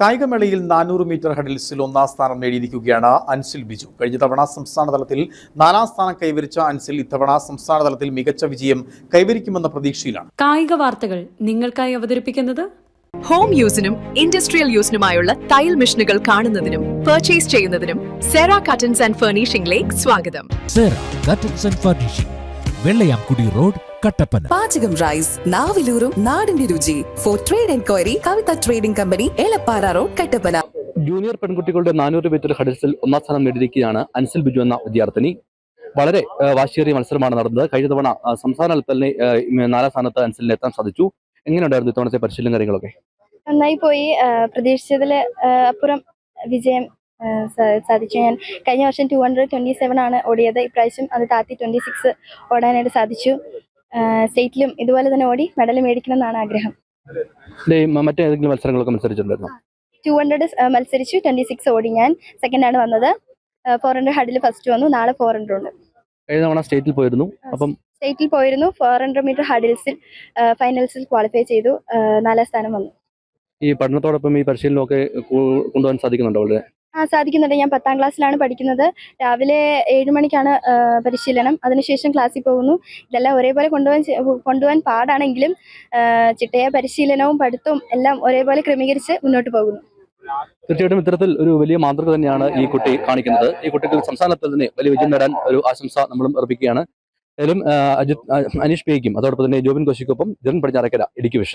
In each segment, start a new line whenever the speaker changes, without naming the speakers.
കായികമേളയിൽ 400 metre ഹഡിൽസിൽ ഒന്നാം സ്ഥാനം നേടിയിരിക്കുകയാണ് അൻസിൽ ബിജു. കഴിഞ്ഞ തവണ സംസ്ഥാന തലത്തിൽ 4ാം സ്ഥാനം കൈവരിച്ച അൻസിൽ ഇത്തവണ സംസ്ഥാന തലത്തിൽ മികച്ച വിജയം കൈവരിക്കുമെന്ന പ്രതീക്ഷയിലാണ്.
കായിക വാർത്തകൾ നിങ്ങൾക്കായി അവതരിപ്പിക്കുന്നത്
ഹോം യൂസിനും ഇൻഡസ്ട്രിയൽ യൂസിനുമായുള്ള തയ്യൽ മെഷീനുകൾ കാണുന്നതിനും പർച്ചേസ് ചെയ്യുന്നതിനും സെറ കട്ടൻസ് ആൻഡ് ഫർണിഷിംഗിലേക്ക് സ്വാഗതം.
Sera curtains and furnishing, Vellayamkudi road, Kattappana.
പാചകം റൈസ്, നാവിലൂറും നാടിന്റെ രുചി. For trade enquiry, Kavitha trading company, Elappara road, Kattappana.
Junior പെൺകുട്ടികളുടെ 400 മീറ്റർ ഹഡിൽസിൽ ഒന്നാം സ്ഥാനം നേടിയിരിക്കുകയാണ് അൻസിൽ ബിജു എന്ന വിദ്യാർത്ഥിനി. വളരെ വാശിയേറിയ മത്സരമാണ് നടന്നത്. കഴിഞ്ഞ തവണ സംസ്ഥാന തലത്തിൽ 4ാം സ്ഥാനത്ത് അൻസിലിന് എത്താൻ സാധിച്ചു. എങ്ങനെയുണ്ടായിരുന്നു ഇത്തവണത്തെ പരിശീലന കാര്യങ്ങളൊക്കെ?
നന്നായി പോയി. പ്രതീക്ഷിച്ചതിൽ അപ്പുറം വിജയം സാധിച്ചു. ഞാൻ കഴിഞ്ഞ വർഷം 227 ആണ് ഓടിയത്. ഇപ്രാവശ്യം അത് താത്തി 26 ഓടാനായിട്ട് സാധിച്ചു. സ്റ്റേറ്റിലും ഇതുപോലെ തന്നെ ഓടി മെഡൽ മേടിക്കണം എന്നാണ് ആഗ്രഹം.
മറ്റേതെങ്കിലും മത്സരങ്ങളൊക്കെ മത്സരിച്ചിട്ടുണ്ടായിരുന്നു?
200 മത്സരിച്ചു, 26 ഓടി. ഞാൻ സെക്കൻഡ് ആണ് വന്നത്. 400 ഹഡിൽ ഫസ്റ്റ് വന്നു. നാളെ 400 ഉണ്ട്.
കഴിഞ്ഞ തവണ സ്റ്റേറ്റിൽ പോയിരുന്നു.
സ്റ്റേറ്റിൽ പോയിരുന്നു. 400 മീറ്റർ ഹഡിൽസിൽ ഫൈനൽസിൽ ക്വാളിഫൈ ചെയ്തു. 4ാം സ്ഥാനം വന്നു.
ഈ പഠനത്തോടൊപ്പം ഈ പരിശീലനമൊക്കെ കൊണ്ടുപോകാൻ സാധിക്കുന്നുണ്ടോ? വളരെ
സാധിക്കുന്നുണ്ട്. ഞാൻ 10ാം ക്ലാസ്സിലാണ് പഠിക്കുന്നത്. രാവിലെ 7 മണിക്കാണ് പരിശീലനം. അതിനുശേഷം ക്ലാസ്സിൽ പോകുന്നു. ഇതെല്ലാം ഒരേപോലെ കൊണ്ടുപോകാൻ പാടാണെങ്കിലും ചിട്ടയായ പരിശീലനവും പഠിത്തവും എല്ലാം ഒരേപോലെ ക്രമീകരിച്ച് മുന്നോട്ട് പോകുന്നു.
തീർച്ചയായിട്ടും ഇത്തരത്തിൽ ഒരു വലിയ മാതൃക തന്നെയാണ് ഈ കുട്ടി കാണിക്കുന്നത്. ഈ കുട്ടിക്ക് സംസ്ഥാനത്തിൽ തന്നെ വലിയ വിജയം നേടാൻ ഒരു ആശംസ നമ്മളും അർപ്പിക്കുകയാണ്. ഏതായാലും അനീഷ് പേയ്ക്കും അതോടൊപ്പം തന്നെ ജോബിൻ കോശിക്കൊപ്പം ജെറിൻ പടിഞ്ഞാറക്കര, ഇടുക്കി വിഷൻ.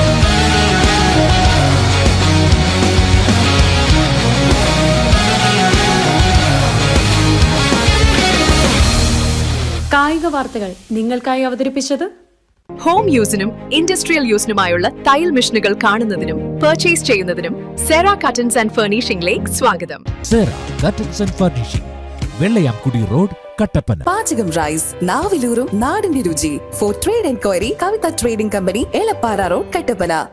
കായിക വാർത്തകൾ നിങ്ങൾക്കായി അവതരിപ്പിച്ചത്
ഹോം യൂസിനും ഇൻഡസ്ട്രിയൽ യൂസിനുമായുള്ള തയ്യൽ മെഷീനുകൾ കാണുന്നതിനും പർച്ചേസ് ചെയ്യുന്നതിനും സെറ കട്ടൻസ് ആൻഡ് ഫർണിഷിംഗിലേക്ക് സ്വാഗതം.
Sera curtains and furnishing, Vellayamkudi road, Kattappana.
പാചകം റൈസ്, നാവിലൂറും നാടിന്റെ രുചി. For trade enquiry, Kavitha trading company, Elappara road, Kattappana.